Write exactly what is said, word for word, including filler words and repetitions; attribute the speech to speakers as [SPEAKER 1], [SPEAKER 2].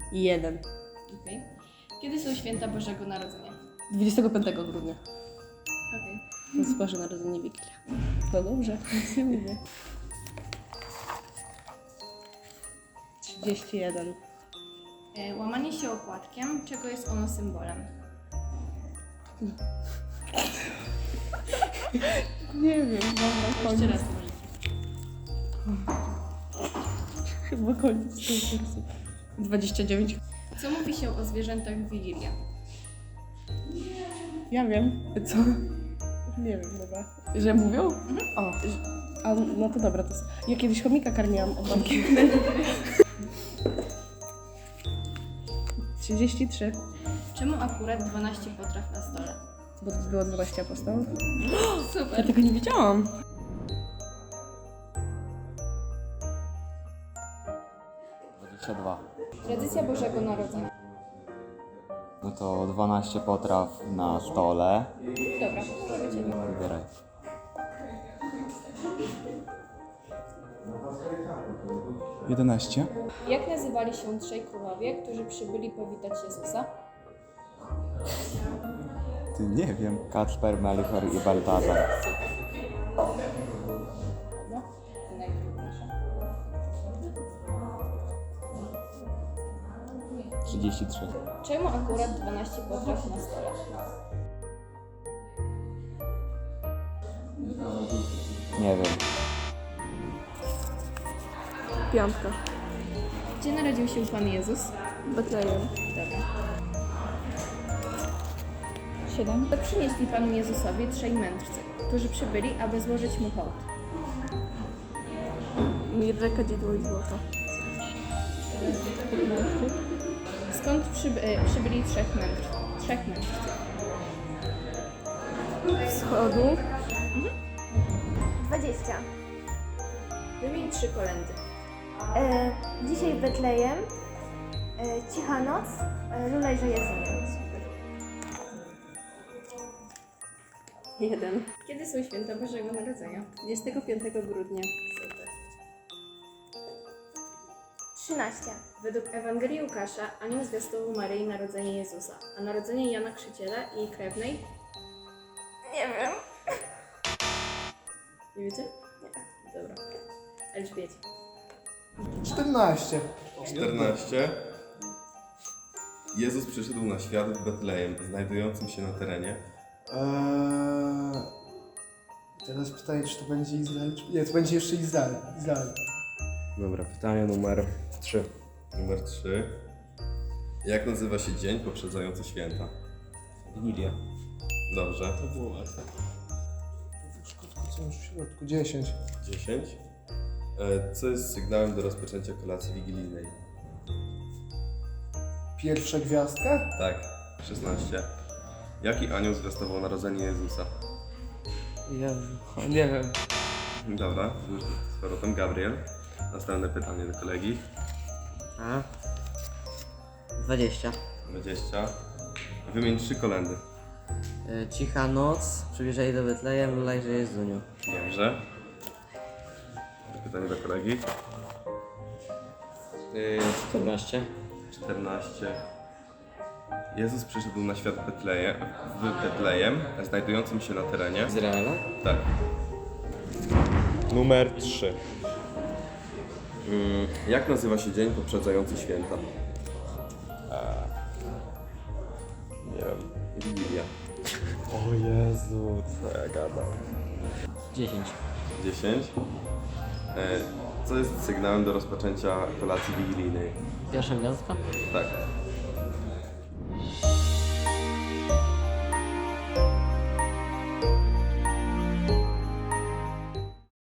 [SPEAKER 1] Jeden.
[SPEAKER 2] Okej. Kiedy są święta Bożego Narodzenia?
[SPEAKER 1] dwudziestego piątego grudnia.
[SPEAKER 2] Okej.
[SPEAKER 1] To jest Boże Narodzenie, Wigilia. No dobrze, nic nie mówię. trzydzieści jeden.
[SPEAKER 2] E, Łamanie się opłatkiem, czego jest ono symbolem?
[SPEAKER 1] Nie wiem, dobra,
[SPEAKER 2] Jeszcze
[SPEAKER 1] koniec.
[SPEAKER 2] raz możecie.
[SPEAKER 1] Chyba koniec tej wersji. dwadzieścia dziewięć.
[SPEAKER 2] Co mówi się o zwierzętach w Wigilię?
[SPEAKER 1] Ja wiem. Co? Nie wiem, dobra. Że mówią?
[SPEAKER 2] Mhm.
[SPEAKER 1] O, a, no to dobra, to jest... Ja kiedyś chomika karmiłam od babki. trzydzieści trzy.
[SPEAKER 2] Czemu akurat dwanaście potraw na stole?
[SPEAKER 1] Bo to było dwanaście apostołów. Ja
[SPEAKER 2] Super.
[SPEAKER 1] tego nie wiedziałam.
[SPEAKER 3] dwadzieścia dwa.
[SPEAKER 2] Tradycja Bożego Narodzenia.
[SPEAKER 3] No to dwanaście potraw na stole.
[SPEAKER 2] Dobra, może być jedno.
[SPEAKER 3] Wybieraj.
[SPEAKER 4] jedenaście.
[SPEAKER 2] Jak nazywali się trzej królowie, którzy przybyli powitać Jezusa?
[SPEAKER 4] Ty nie wiem.
[SPEAKER 3] Kacper, Melichor i Baltazar.
[SPEAKER 2] No, najtrudniejsze.
[SPEAKER 3] trzydzieści trzy.
[SPEAKER 2] Czemu akurat dwanaście potraw na stole?
[SPEAKER 3] Nie wiem.
[SPEAKER 1] Piątka.
[SPEAKER 2] Gdzie narodził się Pan Jezus?
[SPEAKER 1] Betlejem.
[SPEAKER 2] Dobra.
[SPEAKER 1] siedem.
[SPEAKER 2] To przynieśli Panu Jezusowi trzej mędrcy, którzy przybyli, aby złożyć Mu hołd.
[SPEAKER 1] Mirre, kadzidło i złoto.
[SPEAKER 2] Skąd przyby, e, przybyli trzech mędrców? Trzech mędrców.
[SPEAKER 1] Wschodu.
[SPEAKER 5] dwadzieścia.
[SPEAKER 2] Wymień trzy kolendy.
[SPEAKER 5] E, dzisiaj Betlejem, e, Cicha Noc, e, Lulejże Jezunie.
[SPEAKER 1] Jeden.
[SPEAKER 2] Kiedy są święta Bożego Narodzenia?
[SPEAKER 1] dwudziestego piątego grudnia.
[SPEAKER 2] Super.
[SPEAKER 5] trzynaście.
[SPEAKER 2] Według Ewangelii Łukasza anioł zwiastował Maryi narodzenie Jezusa, a narodzenie Jana Chrzciciela i jej krewnej?
[SPEAKER 5] Nie wiem.
[SPEAKER 2] Nie wiecie? Nie. Dobra. Elżbiecie.
[SPEAKER 6] czternaście.
[SPEAKER 7] czternaście. Jezus przyszedł na świat w Betlejem, znajdującym się na terenie.
[SPEAKER 6] Eee, teraz pytanie, czy to będzie Izrael? Czy... Nie, to będzie jeszcze Izrael. Izrael.
[SPEAKER 7] Dobra, pytanie numer trzy. Numer trzy. Jak nazywa się dzień poprzedzający święta?
[SPEAKER 3] Wigilia.
[SPEAKER 7] Dobrze.
[SPEAKER 6] To było łatwe. Co już w środku? dziesięć.
[SPEAKER 7] dziesięć. E, Co jest sygnałem do rozpoczęcia kolacji wigilijnej?
[SPEAKER 6] Pierwsza gwiazdka?
[SPEAKER 7] Tak. szesnaście. Jaki anioł zwiastował narodzenie Jezusa?
[SPEAKER 8] Jezu, nie wiem.
[SPEAKER 7] Dobra, już z powrotem Gabriel. Następne pytanie do kolegi.
[SPEAKER 8] A? dwadzieścia.
[SPEAKER 7] dwadzieścia. Wymień trzy kolendy.
[SPEAKER 8] E, Cicha noc, przybliżaj do Betlejem, Lulejże Jezuniu.
[SPEAKER 7] Dobrze. Pytanie do kolegi.
[SPEAKER 8] czternaście.
[SPEAKER 7] czternaście. Jezus przyszedł na świat Betleje, w Betlejem, znajdującym się na terenie.
[SPEAKER 8] Izraela?
[SPEAKER 7] Tak. Numer trzy. Mm, jak nazywa się dzień poprzedzający święta? Nie wiem. Wigilia. O Jezu, co ja gadam.
[SPEAKER 8] dziesięć.
[SPEAKER 7] dziesięć. E, co jest sygnałem do rozpoczęcia kolacji wigilijnej?
[SPEAKER 8] Pierwsza gwiazdka?
[SPEAKER 7] Tak.